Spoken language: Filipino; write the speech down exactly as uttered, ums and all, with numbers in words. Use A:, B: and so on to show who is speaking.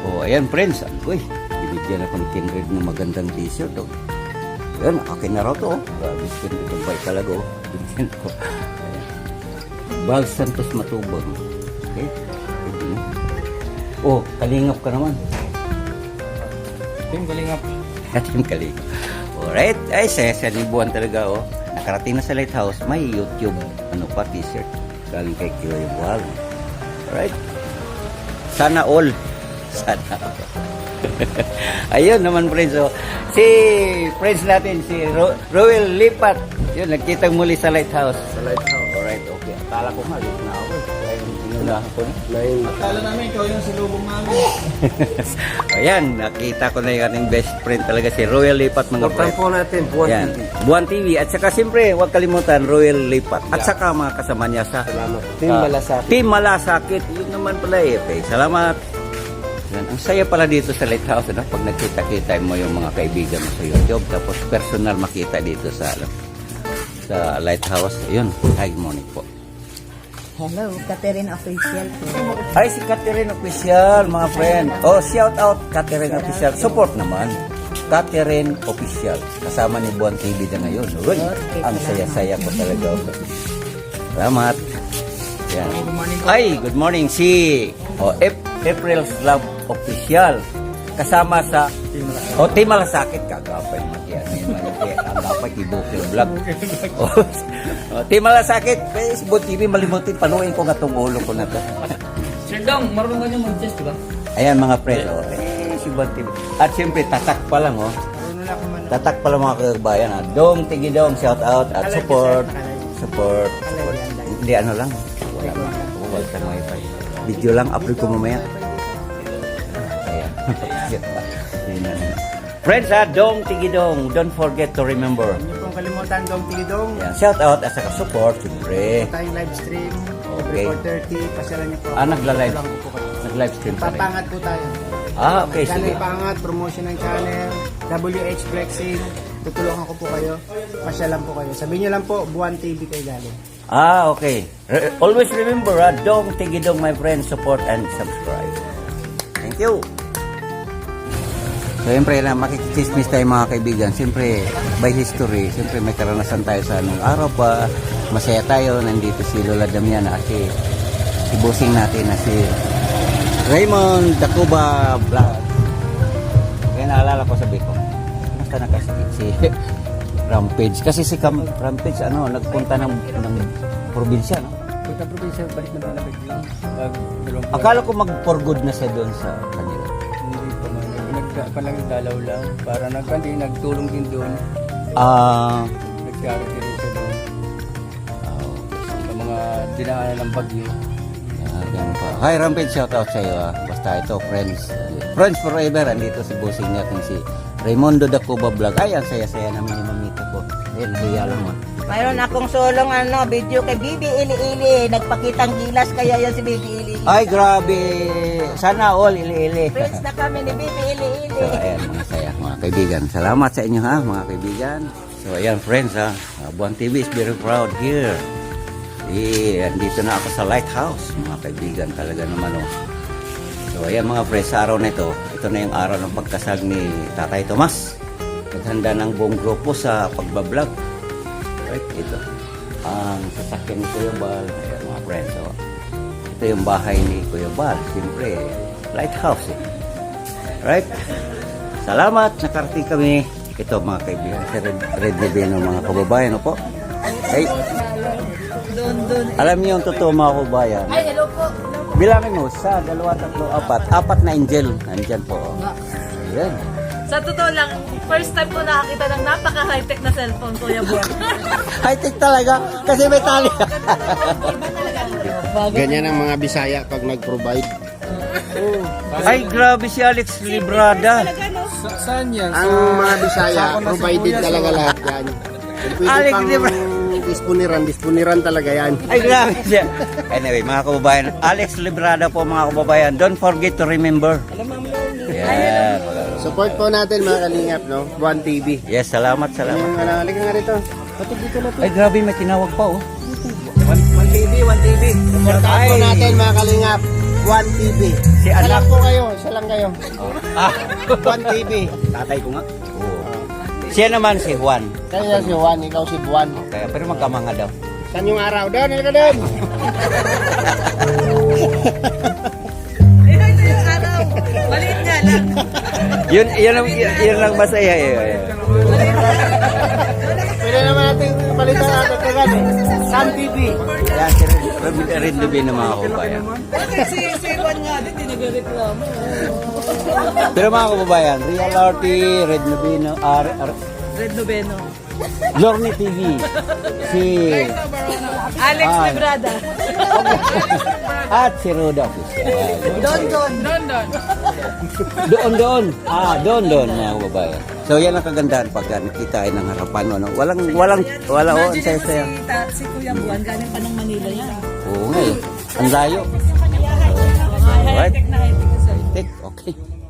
A: Oh, ayan friends. Uy, binigyan ako ni Kindred ng magandang t-shirt. Oh. Ayan, akin na raw to. Oh. Grabe, Kindred ang bike talaga. Oh. Binigyan ko. Ayan. Bal Santos Matubang. Okay. Oh, kalingap ka naman.
B: Team Kalingap.
A: Team Kalingap. Alright. Ay, sesanibuan talaga. Oh. Nakarating na sa Lighthouse. May YouTube ano pa, t-shirt. Galing kay Kiloy Buhal. Alright. Sana all. Sana all. Ayun naman friends. So, si friends natin, si Ro Roel Lipat. Yun, nagkitang muli sa Lighthouse.
B: Sa Lighthouse.
A: Alright, okay. Akala ko nga, late na ako. Kaya yung inunahan ko na.
B: Akala namin ikaw yung silubong namin.
A: Ayan, nakita ko na yung ating best friend talaga, si Roel Lipat mga
B: Portan
A: friends.
B: po natin, Buwan
A: Yan.
B: T V.
A: Buwan T V. At saka siyempre, huwag kalimutan, Roel Lipat. At saka mga kasama niya sa
B: Salamat. Team
A: ah,
B: Malasakit.
A: Team Malasakit. Yun naman pala eh. Okay, salamat. Yan. Ang saya pala dito sa Lighthouse. Ano? Pag nagkita-kita mo yung mga kaibigan mo sa YouTube. Tapos personal makita dito sa ano, sa Lighthouse. Yun. Hi, good morning po.
C: Hello, Catherine Official po.
A: Ay, si Catherine Official, mga friend. Oh, shout out Catherine Official. Support naman. Catherine Official. Kasama ni Buwan T V na ngayon. Uy, ang saya-saya ko talaga. Salamat. Yan. Ay, good morning. Si oh, April's Love Official. Kasama sa oh, Team Malasakit. Kagapay mati. Ang gapay kibukil vlog. Oh, oh, Team Malasakit. Facebook T V, malimutin. Panuin ko nga itong ulo ko na ito.
D: Sir Dong, marunong ka niyo mag-chess, di ba?
A: Ayan mga friend. Oh. Eh, si Buwan T V. At siyempre, tatak pa lang. Oh. Tatak pa lang mga kagbayan. Ah. Dong, tigi dong, shout out at support. Support. Support. Hindi ano lang. Wala mo. Wala ka wifi. Video lang, upload ko mamaya. Ayan. Friends ha, Dong Tigidong, don't forget to remember.
B: Hindi pong kalimutan Dong Tigidong.
A: Ayan, shout out at saka support, siyempre.
B: Tayong live stream.
A: Okay.
B: four thirty, pasyalan niyo po.
A: Ah, nagla-live.
B: Tulungan ko po kayo.
A: Nag-live stream pa rin.
B: Papangat po tayo.
A: Ah, okay, sige.
B: Channel Pangat, promotion ng channel, W H Flexing, tutulungan ko po kayo. Pasyalan po kayo. Sabihin niyo lang po, Buwan T V kayo galing.
A: Ah, okay. Re- always remember, ha, Dong Tigidong, my friend, support and subscribe. Thank you. So, siyempre lang, makikichismis tayo mga kaibigan. Siyempre, by history, siyempre may karanasan tayo sa anong araw pa. Masaya tayo. Nandito si Lola Damiana at si, si bossing natin na si Raymond Dacuba Vlog. Kaya naalala ko sabi ko, basta nakasikit si Rampage. Kasi si Cam Rampage, ano, nagpunta ng, ng probinsya, no?
D: Punta probinsya, balik na malapit lang. Pag dalawang
A: Akala ko mag-for good na siya doon sa kanila.
D: hindi pa man. Nagpalang dalaw lang. Para nagkandi, nagtulong din doon.
A: Ah,
D: Nag-charity rin siya doon.
A: oh,
D: Sa mga dinaanan ng bagyo.
A: ah, ganun pa. Hi Rampage, shout out sa iyo. Ah. Basta ito, friends. Friends forever. Andito si bossing natin si Raymondo Dacuba Vlog. Ay, ang saya-saya namin yung mamita ko. Ayun, hiya lang mo.
C: Mayroon akong solong ano, video kay Bibi Ili-Ili. Nagpakitang gilas kaya yan si Bibi Ili-Ili.
A: Ay, grabe. Sana all, ili-ili.
C: Friends na kami ni Bibi Ili-Ili.
A: So, ayan, mga saya, mga kaibigan. Salamat sa inyo, ha, mga kaibigan. So, ayan, friends, ha. Uh, Buwan T V is very proud here. Eh, andito na ako sa Lighthouse, mga kaibigan. Talaga naman, oh. So, ayan, mga friends, sa araw na ito, ito na yung araw ng pagkasal ni Tatay Tomas. Naghanda ng buong grupo sa pagbablog. Right, ito. Ang sasakyan ni Kuya Bal. Ayan, mga friends, oh. Ito yung bahay ni Kuya Bal. Siyempre, Lighthouse, eh. Right? Salamat, nakarating kami. Ito mga kaibigan, si Red, Red Reveno, mga kababayan, opo. Ay, alam niyo yung totoo mga kababayan.
C: Ay, hello po.
A: Bilangin mo, sa dalawa, tatlo, apat. Apat na angel. Nandyan po. Oh. Ayan.
E: Sa totoo lang, first time ko nakakita ng napaka-high-tech na cellphone, Kuya Buwan.
A: High-tech talaga, kasi may tali.
B: Ganyan ang mga Bisaya pag nag-provide.
A: Ay, grabe si Alex Librada.
D: Sa, saan yan?
B: Ang mga Bisaya, provided talaga lahat yan. Kung pwede
A: Alex,
B: pang
A: di ba?
B: disponiran, disponiran talaga yan.
A: Ay, grabe siya. Anyway, mga kababayan, Alex Librada po mga kababayan. Don't forget to remember. Yeah.
B: Support po natin mga kalingap, no? Buwan T V.
A: Yes, salamat, salamat.
B: Ayun, wala, halika nga rito. Patog dito na to.
A: Ay, grabe, may tinawag pa, oh.
B: Buwan T V, Buwan T V. Support po natin mga kalingap. Buwan T V.
A: Si
B: Isa
A: anak.
B: lang po kayo, isa lang kayo.
A: Ah,
B: Buwan T V.
A: tatay ko nga. Oo. Siya naman si Juan.
B: Kaya si Juan, ikaw si Buwan.
A: Kaya, pero magkamanga daw.
B: Saan yung araw? Doon, halika doon.
E: Ito, ito yung araw. Maliit nga lang.
A: Yun, yun, lang, yun, yun lang masaya. Eh.
B: Pwede naman natin palitan natin kagad. Sun T V.
A: Yan, si Red, Red Lubin ng mga kababayan.
E: Si, si Juan nga din, di nagreklamo.
A: Pero mga kababayan, Real R T, Red Lubin, R, R,
E: Red Noveno.
A: Lorne T V, si
E: Alex
A: Ah.
E: Lebrada.
A: at si Roda Official.
E: Don Don. Don Don.
A: Doon, doon. Ah, doon, doon, mga kababayan. So, yan ang kagandahan pag nakita ay ng harapan. Ano? Walang, walang, wala, oh, ang saya-saya.
E: Si, ta, si Kuya Juan, galing pa ng Manila yan.
A: Oo nga eh. Ang layo.
E: High-tech na high-tech.
A: High-tech, okay.